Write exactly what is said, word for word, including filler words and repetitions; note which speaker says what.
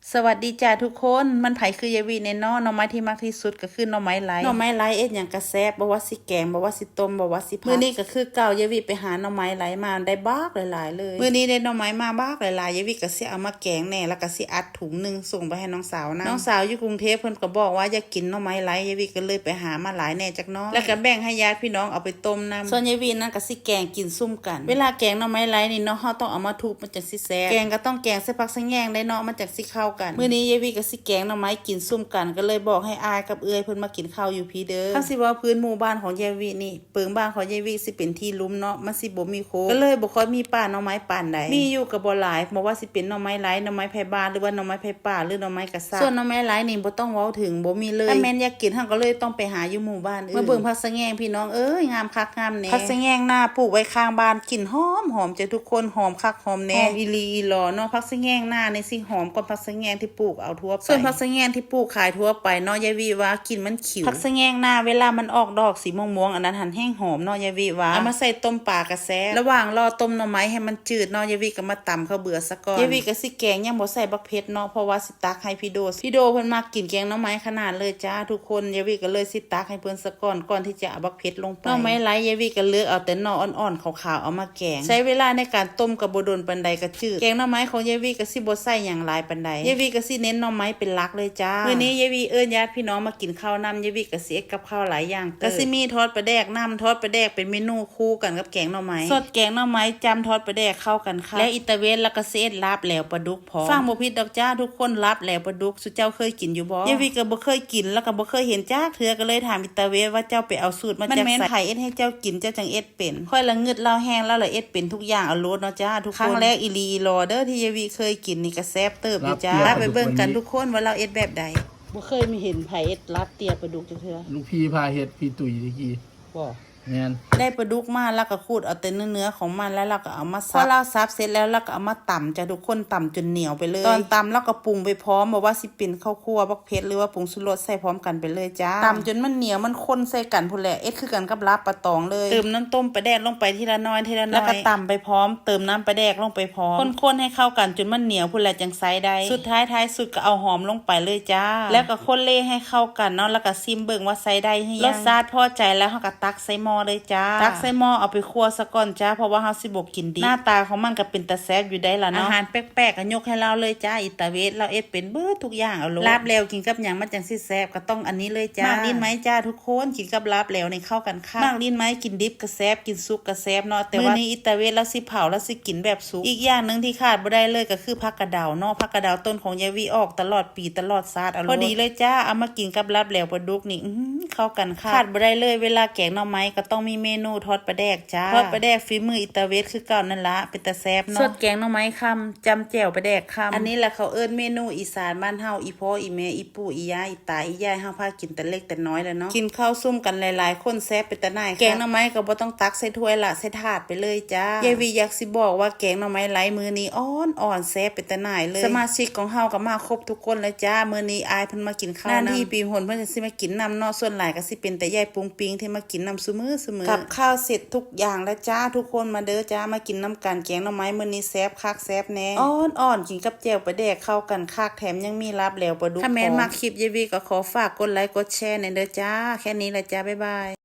Speaker 1: สวัสดีจ้าทุกคนมันไผคือยายวีในน้อหน่อไม้ที่มากที่สุดก็คือหน่อไม้ไร้หน่อไม้ไร้เอ็ดอย่างกระแซบบ่ว่าสิแกงบ่ว่าสิต้มบ่ว่าสิผัดมื้อนี้ก็คือเก่ายายวีไปหาหน่อไม้ไร้มาได้บากหลายๆเลยมื้อนี้ได้หน่อไม้มาบากหลายๆยายวีก็สิเอามาแกงแหน่แล้วก็สิอัดถุงนึงส่งไปให้น้องสาวนะน้องสาวอยู่กรุงเทพเพิ่นก็บอกว่าอยากกินหน่อไม้ไร้ยายวีก็เลยไปหามาหลายแหน่จักน้อยแล้วก็แบ่งให้ญาติพี่น้องเอาไปต้มนำส่วนยายวีนั่นก็สิแกงกินซุ่มกันเวลาแกงหน่อไม้ไร้นี่เนาะเฮาต้องเอามาทุบมันจังสิแซ่บแกงก็ต้องแกงใส่ผักใส่แยงได้เนาะมันจังสิเข้ากันมื้อนี้ยายวีก็สิแกงหน่อไม้กินซุ่มกันก็เลยบอกให้อายกับเอื้อยเพิ่นมากินข้าวอยู่พี่เด้อคันสิว่าพื้นหมู่บ้านของยายวีนี่เปิงบ้านของยายวีสิเป็นที่ลุ่มเนาะมันสิบ่มีโคก็เลยบ่ค่อยมีป่าหน่อไม้ปานใดมีอยู่ก็บ่หลายบ่ว่าสิเป็นหน่อไม้ไร้หน่อไม้ไผบ้านหรือว่าหน่อไม้ไผป่าหรือหน่อไม้กระซ่าส่วนหน่อไม้ไร้นี่บ่ต้องเว้าถึงบ่มีเลยถ้าแม่นอยากกินเฮาก็เลยต้องไปหาอยู่หมู่บ้านอื่นมาเบิ่งผักสะแงงพี่น้องเอ้ยงามคักงามแน่ผักสะแงงหน้าปลูกไว้ข้างบ้านกลิ่นหอมหอมจ้ะทุกคนหอมคักหอมแน่อีหลีอีหลอเนาะผักสะแงงหน้านี่สิหอมกว่าผักสะแงงที่ปลูกเอาทั่วไปส่วนผักสะแงงที่ปลูกขายทั่วไปเนาะยายวีว่ากินมันขิวผักสะแงงหน้าเวลามันออกดอกสีม่วงๆอันนั้นหันแห้งหอมเนาะยายวีว่าเอามาใส่ต้มปลากระแซระหว่างรอต้มหน่อไม้ให้มันจืดเนาะยายวีก็มาตำข้าวเบื่อซะก่อนยายวีก็สิแกงยังบ่ใส่บักเผ็ดเนาะเพราะว่าสิตักให้พี่โดพี่โดเพิ่นมากินแกงหน่อไม้ขนาดเลยจ้าทุกคนยายวีก็เลยสิตักให้เพิ่นซะก่อนก่อนที่จะเอาบักเผ็ดลงไปหน่อไม้ไร้ยายวีก็เลือกเอาแต่หน่ออ่อนๆขาวๆเอามาแกงใช้เวลาในการต้มกับบ่โดนปานใดก็จืดแกงหน่อไม้ของยายวีก็สิบ่ใส่หยังหลายปานใดยายวีก็สิเน้นหน่อไม้เป็นหลักเลยจ้ามื้อนี้ยายวีเอิ้นญาติพี่น้องมากินข้าวนำยายวีก็สิเอ็ดกับข้าวหลายอย่างก็สิมีทอดปลาแดกน้ำทอดปลาแดกเป็นเมนูคู่กันกับแกงหน่อไม้สดแกงหน่อไม้จำทอดปลาแดกเข้ากันค่ะและอิตาเวนแล้วก็สิเอ็ดลาบแหลวปลาดุกพร้อมฟังบ่ผิดดอกจ้าทุกคนลาบแหลวปลาดุกสุเจ้าเคยกินอยู่บ่ยายวีก็บ่เคยกินแล้วก็บ่เคยเห็นจ้าเทื่อก็เลยถามอิตาเวนว่าเจ้าไปเอาสูตรมาจากไสมันแม่นไผเอ็ดให้เจ้ากินเจ้าจังเอ็ดเป็นค่อยละงึดเล่าแห้งแล้วละเอ็ดเป็นทุกอย่างเอาโลดเนาะจ้าทุกคนครั้งแรกอีลีรอเด้อที่ยายวีเคยกินนี่ก็แซ่บเติบอยู่จ้าไปเบิ่งกันทุกคนว่าเราเอ็ดแบบใดบ่เคยมีเห็นไผเอ็ดลาบเตียปลาดุกจังเทื่อ
Speaker 2: ลูกพี่พาเฮ็ดพี่ตุ๋ยตะกี้
Speaker 1: บ่
Speaker 2: แม่น
Speaker 1: ได้ปลาดุกมาแล้วก็ขูดเอาแต่เนื้อๆของมันแล้วเราก็เอามาซับพอเราซับเสร็จแล้วเราก็เอามาตำจ้ะทุกคนตำจนเหนียวไปเลยตอนตำแล้วก็ปรุงไปพร้อมบอกว่าสิเป็นข้าวคั่วบักเผ็ดหรือว่าผงชูรสใส่พร้อมกันไปเลยจ้าตำจนมันเหนียวมันข้นใส่กันพุ่นแหละเอ็ดคือกันกับลาบปลาตองเลยเติมน้ำต้มปลาแดกลงไปทีละน้อยทีละน้อยแล้วก็ตำไปพร้อมเติมน้ำปลาแดกลงไปพร้อมคนๆให้เข้ากันจนมันเหนียวพุ่นแหละจังไซได้สุดท้ายท้ายสุดก็เอาหอมลงไปเลยจ้าแล้วก็คนเล่ให้เข้ากันเนาะแล้วก็ซิมเบิ่งว่าไซได้หรือยังรสชาติพอใจแล้วเฮาก็ตักใส่หม้อเลยจ้าตักใส่หม้อเอาไปคั่วซะก่อนจ้าเพราะว่าเฮาสิบ่กินดิบหน้าตาของมันก็เป็นตาแซ่บอยู่ได้ล่ะเนาะอาหารแปลกๆก็ยกให้เราเลยจ้าอิตาเวสเราเอ็ดเป็นเบิดทุกอย่างเอาโลลาบแล้วกินกับหยังมันจังสิแซ่บก็ต้องอันนี้เลยจ้ามากลิ้นไหมจ้าทุกคนกินกับลาบแล้วนี่เข้ากันค่ะมากลิ้นไหมกินดิบก็แซ่บกินสุกก็แซ่บเนาะแต่ว่ามื้อนี้อิตาเวสเราสิเผาแล้วสิกินแบบสุกอีกอย่างนึงที่ขาดบ่ได้เลยก็คือผักกระเดาเนาะผักกระเดาต้นของยายวีออกตลอดปีตลอดชาติเอาพอดีเลยจ้าเอามากินกับลาบแล้วปลาดุกนี่เข้ากันค่ะขาดบ่ได้เลยเวลาแกงหน่อไม้ก็ต้องมีเมนูทอดปลาแดกจ้าทอดปลาแดกฝีมืออิตาเวสคือเก่านั่นละเป็นตาแซ่บเนาะสดแกงหน่อไม้คำจำแจ่วปลาแดกคำอันนี้แหละเขาเอิ้นเมนูอีสานบ้านเฮาอีพ่ออีแม่อีปู่อีย่าอีตาอียายเฮาพากินแต่เล็กแต่น้อยแล้วเนาะกินข้าวซุ่มกันหลายๆคนแซ่บเป็นตาหน่ายแกงหน่อไม้ก็บ่ต้องตักใส่ถ้วยละใส่ถาดไปเลยจ้ายายวีอยากสิบอกว่าแกงหน่อไม้ไร้มือนี้อ่อนอ่อนแซ่บเป็นตาหน่ายเลยสมาชิกของเฮาก็มาครบทุกคนเลยจ้ามื้อนี้อายเพิ่นมากินข้าวนำที่ปีหนเพิ่นจะสิมากินนำเนาะส่วนหลายก็สิเป็นแต่ยายปุงปิงที่มากินนำซุมื้อซุมื้อกับข้าวเสร็จทุกอย่างแล้วจ้าทุกคนมาเด้อจ้ามากินน้ำกันแกงหน่อไม้มื้อนี้แซ่บคักแซ่บแน่อ่อนอ่อนกินกับแจ่วปลาแดกเข้ากันคักแถมยังมีลาบแล้วปลาดุกถ้าแม่นมักคลิปยายวีก็ขอฝากกดไลค์กดแชร์ในเด้อจ้าแค่นี้แหละจ้าบ๊ายบาย